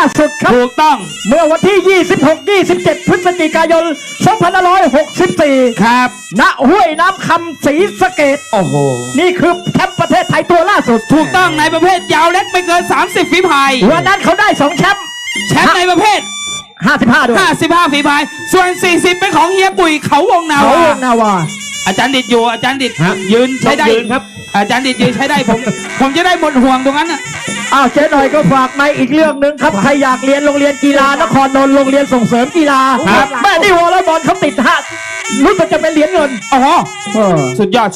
สุดครับถูกต้องเมื่อวันที่ 26-27 พฤศจิกายน 2564 ครับณห้วยน้ำคำศรีสะเกษโอ้โหนี่คือแชมป์ประเทศไทยตัวล่าสุดถูกต้องในประเภทยาวเล็กไม่เกิน30ฝีพายวันนั้นเขาได้2แชมป์ในประเภท 55ด้วย 55ฝีพายส่วน40เป็นของเฮียปุ๋ยเขาวงนาวาอาจารย์ดิดอยู่อาจารย์ดิดยืนใช้ได้ครับอาจารย์ดิดยืนใช้ได้ผมจะได้หมดห่วงตรงนั้นน่ะเจ๊หน่อยก็ฝากมาอีกเรื่องหนึ่งครับใครอยากเรียนโรงเรียนกีฬานครนนท์โรงเรียนส่งเสริมกีฬาแม่นี่วอลเลย์บอลเขาติดรู้สึกจะเป็นเหรียญเงินอ๋อสุดยอด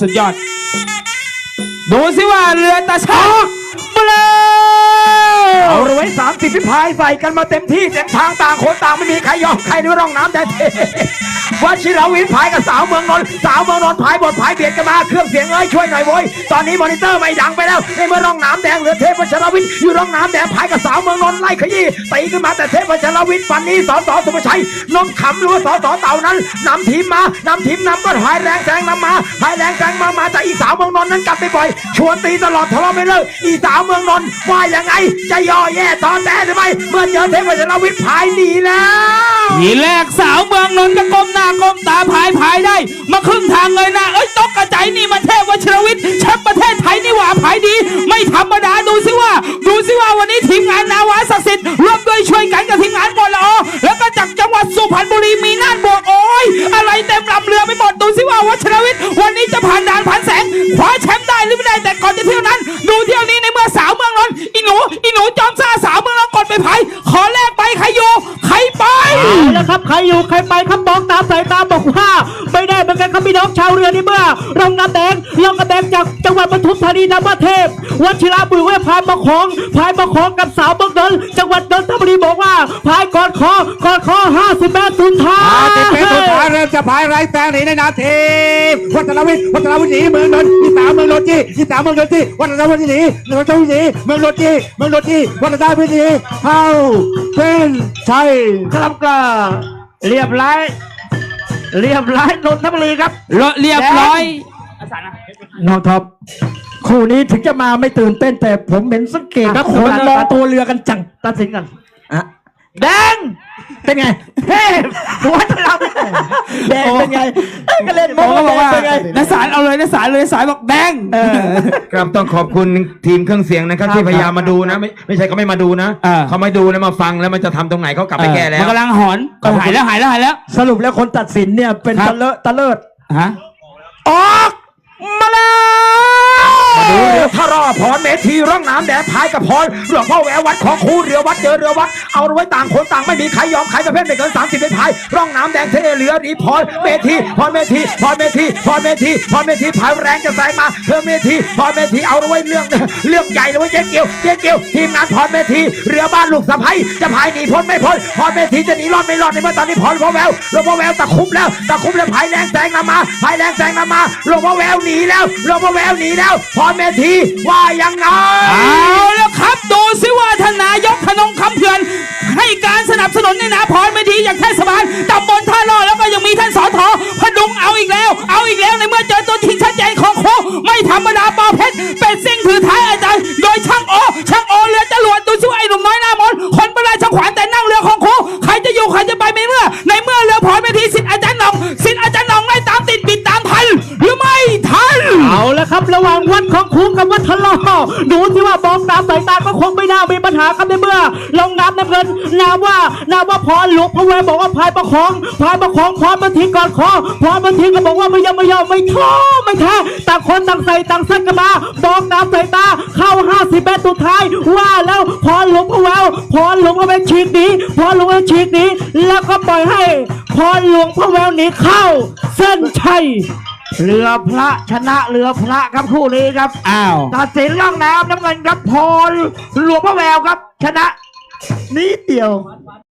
ดูสิว่าเรือตาช้างมาเลยเอาไว้30ฝีพายใส่กันมาเต็มที่เต็มทางต่างคนต่างไม่มีใครยอมใครในร่องน้ำแต่วชิรวิทย์พายกับสาวเมืองนนท์พายบทพายเบียดกันมาเครื่องเสียงช่วยหน่อยโว้ยตอนนี้มอนิเตอร์ไม่ดังไปแล้วในเมื่อร่องน้ำแดงเหลือเทพวชิรวิทย์อยู่ร่องน้ำแดงพายกับสาวเมืองนนท์ไล่ขยี้ตีขึ้นมาแต่เทพวชิรวิทย์ฟันนี้สสสุภชัยนนท์ขำหรือว่าสสเต่านั้นนำทีมก็พายแรงแซงนำมาพายแรงแซงมาแต่อีสาวเมืองนนท์นั้นกลับไปบ่อยชวนตีตลอดทะเลาะไม่เลิกอีสาวเมืองนนท์ว่ายังไงจะย่อแย่ตอนแต่หรือไม่เมื่อเจอเทพวชิรวิทย์พายหนีแล้วทีแรกสาวเมืองนนท์ก็ก้มหน้าก้มตาพายได้มาครึ่งทางเลยนะตกกระจายนี่มาเทพวชิรวิทย์แชมป์ประเทศไทยนี่หว่าพายดีไม่ธรรมดาดูสิว่าวันนี้ทีมงานนาวาศักดิ์สิทธิ์ร่วมด้วยช่วยกันกับทีมงานบอลละอแล้วก็จากจังหวัดสุพรรณบุรีมีน่านบวกโอ้ยอะไรเต็มลำเรือไปหมดดูสิว่าวชิรวิทย์วันนี้จะผ่านด่านผ่านแสงคว้าแชมป์ได้หรือไม่ได้แต่ก่อนจะเที่ยวนั้นดูเที่ยวนี้ในเมื่อสาวเมืองนนท์อีหนูจอมซ่าสาวเมืองนนท์กดไปพายขอแลกไปใครอยู่ใครไปแล้วครับใครอยู่ใครไปครับมองตามสายตาบอกว่าไม่ได้เหมือนกันครับพี่น้องชาวเรือนี่เมื่อร่องน้ำแดงจากจังหวัดปทุมธานีนำมาเทพวชิระบุญเวพายประคองกับสาวเมืองนนท์จังหวัดนนทบุรีบอกว่าพายก่อนคอ50 เมตรสุดท้ายเริ่มจะพายไร้แซงหนีในนาทีวัฒนวิทย์หนีเมืองนนท์ที่3เมืองนนท์ที่3เมืองนนท์ที่วัฒนวิทย์หนีเมืองนนท์เมืองนนท์ที่วัฒนวิทย์หนีเข้าเป็นชัยครับก็เรียบร้อยนนทบุรีครับเรียบร้อยน้องท็อปคู่นี้ถึงจะมาไม่ตื่นเต้นแต่ผมเห็นสังเกตครับคนมองตัวเรือกันจังตัดสินกันแดงเป็นไงเฮ้หัวเราแดงเป็นไงก็เล่นมองว่าเป็นไงนักสารเอาเลยนักสารบอกแดงครับต้องขอบคุณทีมเครื่องเสียงนะครับที่พยายามมาดูนะไม่ใช่เขาไม่มาดูนะเขาไม่ดูแล้วมาฟังแล้วมันจะทำตรงไหนเขากลับไปแก้แล้วมันกำลังหอนก็หายแล้วสรุปแล้วคนตัดสินเนี่ยเป็นตะเลิดออกมาแล้วมาดูเรือพระรอพรเมธีร่องน้ำแดงพายกับพรหลวงพ่อแหววัดของครูเรือวัดเจอเรือวัดเอาไว้ต่างคนต่างไม่มีใครยอมใครประเภทไม่เกิน30เป็นพายร่องน้ำแดงเทเรือดีพรเมธีพรเมธีพายแรงจะแซงมาเธอเมธีพรเมธีเอาไว้เรื่องใหญ่เลยเจ๊เกียวทีมงานพรเมธีเรือบ้านลูกสะใภ้จะพายหนีพ้นไม่พ้นพรเมธีจะหนีรอดไม่รอดในเมื่อตอนนี้พรหลวงพ่อแววตะคุบแล้วพายแรงแซงนำมาหลวงพ่อแววหนีแล้วพรเมธีว่ายังไงเอาแล้วครับดูสิว่าทนายกธนงคำเพื่อนให้การสนับสนุนในนาพรเมธีอย่างเทศบาลตำบลท่าล่อแล้วก็ยังมีท่านสทพดุงเอาอีกแล้วในเมื่อเจอตัวจริงชัดเจนของโคไม่ธรรมดาปอเพชรเป็นสิ่งถือท้ายอาจารย์โดยช่างโอเรือจรวดดูสิว่าไอ้หนุ่มน้อยหน้ามนคนประหลาดช่างขวานแต่นั่งเรือของโคใครจะอยู่ใครจะไปในเมื่อเรือพรเมธีสิทธิ์อาจารย์หนองไล่ตามติดปิดตามทันหรือไม่ทันเอาแล้วครับระหว่างวัดของครูกับวัดทะเลาะดูที่ว่าบองตามสายตาก็คงไม่น่ามีปัญหาครับในเมื่อลงน้ำน้ำเงินนาว่าพรหลวงพ่อแววบอกว่าพายประคองพรเมธีก่อนคอพรเมธีก็บอกว่าไม่ยอมไม่แท้ต่างคนต่างใส่ต่างสั้นกันมาบองตามสายตาเข้า50 เมตรสุดท้ายว่าแล้วพรหลวงพ่อแววฉีกหนีแล้วก็ปล่อยให้พรหลวงพ่อแววหนีเข้าเส้นชัยเรือพระชนะเรือพระครับคู่นี้ครับตัดสินร่องน้ำน้ำเงินครับพรหลวงพ่อแววครับชนะนิดเดียว